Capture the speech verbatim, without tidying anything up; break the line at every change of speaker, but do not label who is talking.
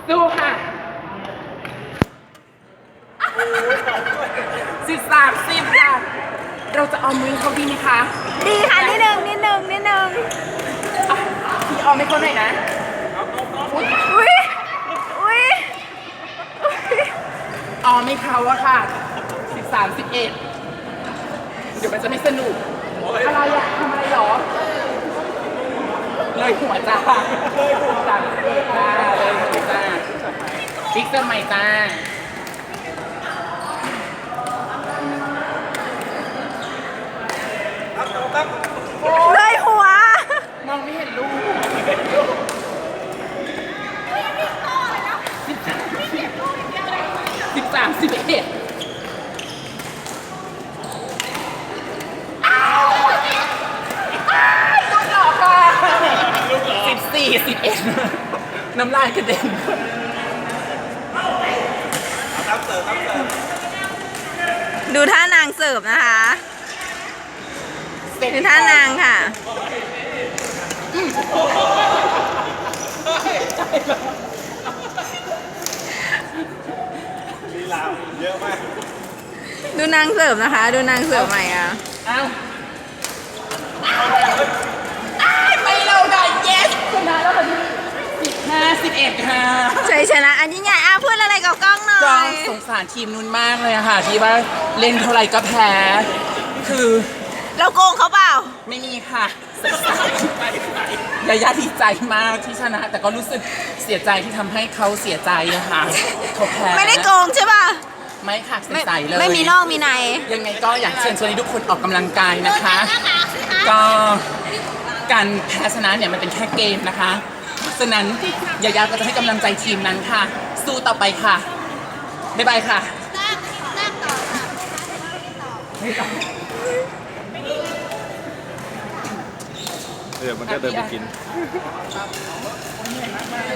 สู้ค่ะสิบสามสิบค่ะเราจะเอามือเขาดีไหมคะ
ดีค่ะนิดนึงนิดนึงนิดนึง
อ่ะพี่เอาไม่เขาหน่อยนะ
อุ้ยอุ้ยอุ้ย
เอาไม่เขาอะค่ะสิบสามสิบเอ็ดเดี๋ยวมันจะไม่สนุกอะไรอะทำอะไรหรอเลยหัวจ้าเลยหัวจ้าเลยจ้าเลยหัวจ้าฟิกเซอร์ใหม่จ้า
เลยหัว
มองไม่เห็นลูกสิบสามสิบเอ็ดลูกหล่อค่ะสิบสี่สิบเอ็ดน้ำลายกระเด็น
ดูท่านางเสิร์ฟนะคะดูท่านางค่ะ
ลีลาเยอะมาก
ดูนางเสิร์ฟนะคะ ดูนางเสิร์ฟใหม่อ่ะ
เอ้าอ้ายไม่เราได้ yes ชนะแล้วค่ะพี่สิบห้าสิบเอ็ดค่ะ
ชัยชนะอันยิ่งใหญ่อ่ะพูดอะไรกับกล้องหน่
ก็
อย
สงสารทีมนู้นมากเลยอะค่ะ ที่ว่าเล่นเท่าไหร่ก็แพ้ คือ
เราโกงเขาเปล่า
ไม่มีค่ะยายาดีใจมากที่ชนะ แต่ก็รู้สึกเสียใจที่ทำให้เขาเสียใจอะค่ะเขาแพ้
ไม่ได้โกงใช่ป่ะ
ไม่ค่ะ
ไม่
ใสๆเลย
ไม่มีนอกมีใน
ยังไงก็อยากเชิญชวนให้ทุกคนออกกำลังกายนะคะ ก็การแพ้ชนะเนี่ยมันเป็นแค่เกมนะคะฉะนั้นยายาก็จะให้กำลังใจทีมนั้นค่ะ สู้ต่อไปค่ะบ๊ายบายค่ะ
เดี๋ยวมันก็เดินไปกิน